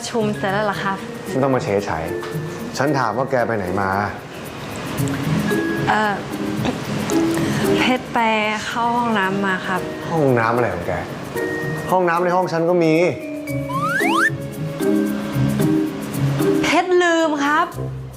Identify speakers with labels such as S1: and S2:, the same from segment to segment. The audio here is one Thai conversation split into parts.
S1: ชุมเสร็จแล้วเหรอครับ
S2: ไม่ต้องมาเฉยไฉฉันถามว่าแกไปไหนมา
S1: เพชรไปเข้าห้องน้ำมาครับ
S2: ห้องน้ำอะไรของแกห้องน้ำในห้องฉันก็มี
S1: เพชรลืมครับ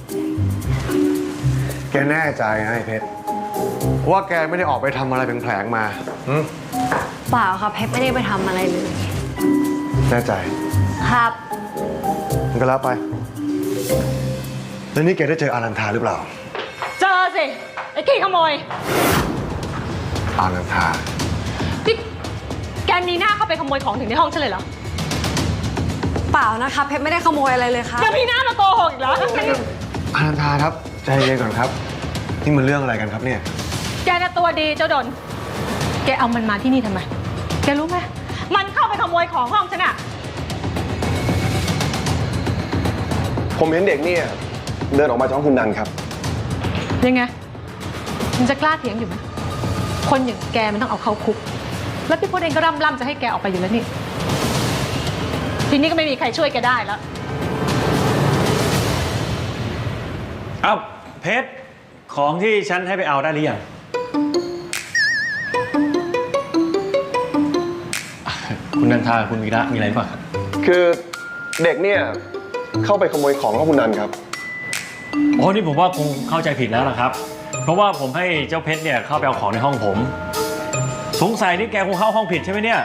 S2: แกแน่ใจไอ้เพชรว่าแกไม่ได้ออกไปทำอะไรแผลงๆมา
S1: เปล่าครับเพชรไม่ได้ไปทำอะไรเลย
S2: แน่ใจ
S1: ครับ
S2: มันก็แล้วไปแล้วนี่แกได้เจออารันทาหรือเปล่า
S3: เจอสิไอ้ขี้ขโมย
S2: อารันทา
S3: ที่แกมีหน้าเข้าไปขโมยของถึงในห้องฉันเลยเหรอ
S1: เปล่านะครับเพชรไม่ได้ขโมยอะไรเลยครับ
S3: ยังมีหน้ามาโกหกอีกเหรอ
S2: อารันทาครับใจเย็นก่อนครับนี่มันเรื่องอะไรกันครับเนี่ย
S3: แกน่ะตัวดีเจ้าดนแกเอามันมาที่นี่ทำไมแกรู้ไหมมันเข้าไปขโมยของห้องฉันอะ
S2: ผมเห็นเด็กเนี่ยเดินออกมาจากห้องคุณนันครับ
S3: ยังไงมันจะกล้าเถียงอยู่ไหมคนอย่างแกมันต้องเอาเข้าคุกแล้วพี่พจน์เองก็ร่ำจะให้แกออกไปอยู่แล้วนี่ทีนี้ก็ไม่มีใครช่วยแกได้แล้ว
S4: เอ้าเพชรของที่ฉันให้ไปเอาได้หรือยังคุณนันทาคุณวีระมีอะไรบ้างครับ
S2: คือเด็กเนี่ยเข้าไปขโมยของของคุณนันครับ
S4: โอ้นี่ผมว่าคงเข้าใจผิดแล้วล่ะครับเพราะว่าผมให้เจ้าเพชรเนี่ยเข้าไปเอาของในห้องผมสงสัยนี่แกคงเข้าห้องผิดใช่ไหมเนี่ย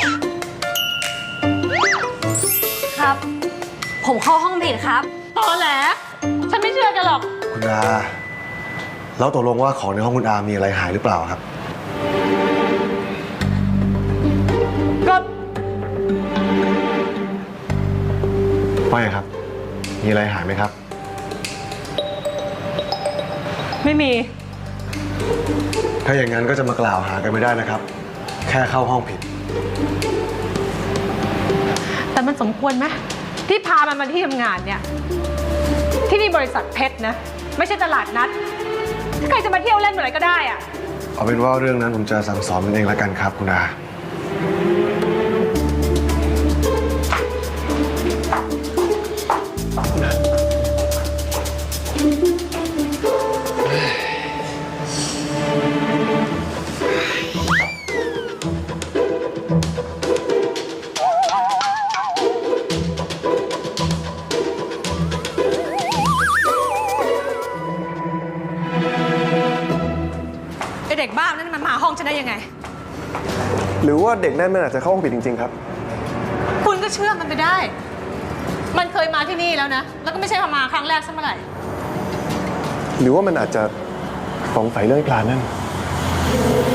S1: ครับผมเข้าห้องผิดครับ
S3: ตอแหลฉันไม่เชื่อแกหรอก
S2: คุณอาแล้วตกลงว่าของในห้องคุณอามีอะไรหายหรือเปล่าครับ
S3: ก็
S2: ไม่ครับมีอะไรหายไหมครับ
S3: ไม่มี
S2: ถ้าอย่างนั้นก็จะมากล่าวหากันไม่ได้นะครับแค่เข้าห้องผิด
S3: แต่มันสมควรไหมที่พามันมาที่ทำงานเนี่ยที่นี่บริษัทเพชรนะไม่ใช่ตลาดนัดใครจะมาเที่ยวเล่นเมื่อไหร่ก็ได้อะ
S2: เอาเป็นว่าเรื่องนั้นผมจะสั่งสอนมันเองละกันครับคุณอา
S3: เด็กบ้านั่นมันมาห้องฉันได้ยังไง
S2: หรือว่าเด็กนั่นมันอาจจะเข้าห้องผิดจริงๆครับ
S3: คุณก็เชื่อมันไปได้มันเคยมาที่นี่แล้วนะแล้วก็ไม่ใช่มาครั้งแรกซะเมื่อไหร่
S2: หรือว่ามันอาจจะสงสัยเรื่องปลานั่น